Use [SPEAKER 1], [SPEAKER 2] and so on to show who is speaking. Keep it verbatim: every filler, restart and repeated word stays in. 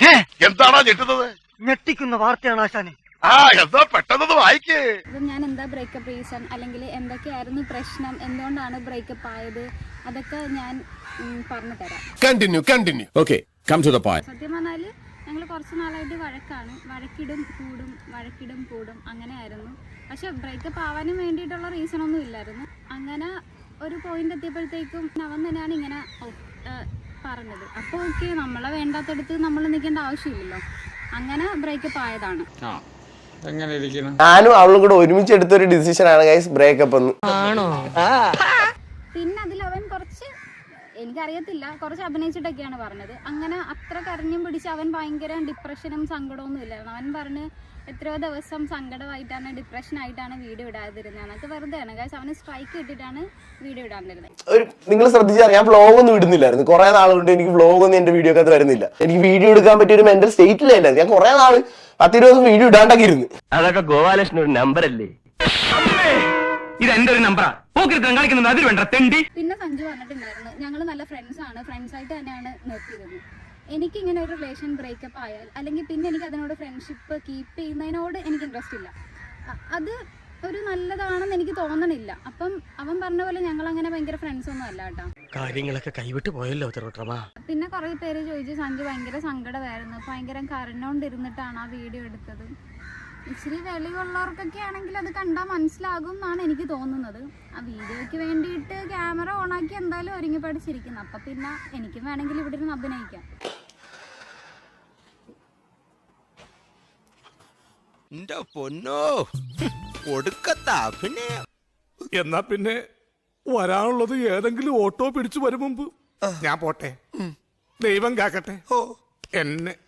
[SPEAKER 1] എന്താണോ ഞെട്ടുന്നത്?
[SPEAKER 2] ഞെട്ടിക്കുന്ന വാർത്തയാണ് ആശാനെ.
[SPEAKER 1] ആ എന്താ പെട്ടെന്ന് വായിക്കേ.
[SPEAKER 3] ഞാൻ എന്താ ബ്രേക്കപ്പ് റീസൺ, അല്ലെങ്കിൽ എന്തൊക്കെയായിരുന്നു പ്രശ്നം, എന്തുകൊണ്ടാണ് ബ്രേക്കപ്പ് ആയത്, അതൊക്കെ ഞാൻ പറഞ്ഞു തരാം.
[SPEAKER 4] Continue continue okay come to the point.
[SPEAKER 3] സത്യം പറഞ്ഞാൽ ഞങ്ങൾ കുറച്ച് നാളായിട്ട് വഴക്കാണ്. വഴക്കിടും കൂടും വഴക്കിടും കൂടും അങ്ങനെയായിരുന്നു. പക്ഷെ ബ്രേക്കപ്പ് ആവാനും വേണ്ടിയിട്ടുള്ള റീസൺ ഒന്നും ഇല്ലായിരുന്നു. അങ്ങനെ ഒരു പോയിന്റ് എത്തിയപ്പോഴത്തേക്കും അവൻ തന്നെയാണ് ഇങ്ങനെ പറഞ്ഞത്. അപ്പോൾ ഓക്കെ, നമ്മളെ വേണ്ടാത്തടുത്ത് നമ്മൾ നിൽക്കേണ്ട ആവശ്യമില്ലല്ലോ. അങ്ങനെ ബ്രേക്കപ്പ് ആയതാണ്.
[SPEAKER 5] ഞാനും അവളും കൂടെ ഒരുമിച്ച് എടുത്തൊരു ഡിസിഷൻ ആണ് ഗൈസ് ബ്രേക്കപ്പ് എന്ന്.
[SPEAKER 3] പിന്നെ അതിൽ അവൻ കുറച്ച്, എനിക്കറിയത്തില്ല, കുറച്ച് അഭിനയിച്ചിട്ടൊക്കെയാണ് പറഞ്ഞത്. അങ്ങനെ അത്ര കരഞ്ഞും പിടിച്ച് അവൻ ഭയങ്കര ഡിപ്രഷനും സങ്കടമൊന്നും ഇല്ലായിരുന്നു. അവൻ പറഞ്ഞ് എത്രയോ ദിവസം സങ്കടമായിട്ടാണ്, ഡിപ്രഷനായിട്ടാണ് വീഡിയോ ഇടാതിരുന്നത്. എന്നൊക്കെ വെറുതെയാണ് ഗൈസ്. അവന് സ്ട്രൈക്ക് ഇട്ടിട്ടാണ് വീഡിയോ ഇടാതിരുന്നത്.
[SPEAKER 5] ഒരു നിങ്ങൾ ശ്രദ്ധിച്ചാൽ ഞാൻ വ്ളോഗ് ഒന്നും ഇടുന്നില്ലായിരുന്നു കുറെ നാളുകൊണ്ട്. എനിക്ക് വ്ളോഗ് ഒന്നും എന്റെ വീഡിയോ ഒക്കെ വരുന്നില്ല. എനിക്ക് വീഡിയോ എടുക്കാൻ പറ്റിയ ഒരു മെന്റൽ സ്റ്റേറ്റിലായിരുന്നു. ഞാൻ കുറെ നാള് പത്തിരുപത് ദിവസം വീഡിയോ ഇടാണ്ടൊക്കെ ഇരുന്ന്.
[SPEAKER 6] അതൊക്കെ ഗോപാലകൃഷ്ണൻ ഒരു നമ്പർ അല്ലേ? ഇത് എന്റെ ഒരു നമ്പറാ. കളിക്കുന്നത് അതിൽ വേണ്ട തെണ്ടി.
[SPEAKER 3] പിന്നെ സഞ്ജു പറഞ്ഞിട്ടുണ്ടായിരുന്നു, ഞങ്ങൾ നല്ല ഫ്രണ്ട്സ് ആണ്, ഫ്രണ്ട്സ് ആയിട്ട് തന്നെയാണ് നിർത്തിയിരുന്നത്. എനിക്ക് ഇങ്ങനെ ഒരു റിലേഷൻ ബ്രേക്കപ്പ് ആയാൽ അല്ലെങ്കിൽ പിന്നെ എനിക്ക് അതിനോട് ഫ്രണ്ട്ഷിപ്പ് കീപ്പ് ചെയ്യുന്നതിനോട് എനിക്ക് ഇൻട്രസ്റ്റ് ഇല്ല. അത് ഒരു നല്ലതാണെന്ന് എനിക്ക് തോന്നണില്ല. അപ്പം അവൻ പറഞ്ഞ പോലെ ഞങ്ങൾ അങ്ങനെ ഭയങ്കര ഫ്രണ്ട്സ് ഒന്നും അല്ല കേട്ടോ.
[SPEAKER 6] കാര്യങ്ങളൊക്കെ കൈവിട്ട് പോയല്ലോ.
[SPEAKER 3] പിന്നെ കുറെ പേര് ചോദിച്ചു, സഞ്ജു ഭയങ്കര സങ്കടമായിരുന്നു, ഭയങ്കര കരഞ്ഞോണ്ടിരുന്നിട്ടാണ് ആ വീഡിയോ എടുത്തത്. ഇച്ചിരി വെളിവുള്ളവർക്കൊക്കെ ആണെങ്കിൽ അത് കണ്ടാൽ മനസ്സിലാകും എന്നാണ് എനിക്ക് തോന്നുന്നത്. ആ വീഡിയോയ്ക്ക് വേണ്ടിയിട്ട് ക്യാമറ ഓണാക്കി എന്തായാലും ഒരുങ്ങി പഠിച്ചിരിക്കുന്നു. അപ്പം പിന്നെ എനിക്കും വേണമെങ്കിൽ ഇവിടെ ഇരുന്ന് അഭിനയിക്കാം.
[SPEAKER 4] എന്നാ പിന്നെ വരാനുള്ളത് ഏതെങ്കിലും ഓട്ടോ പിടിച്ചു വരും മുമ്പ് ഞാൻ പോട്ടെ. ദൈവം കാക്കട്ടെ എന്നെ.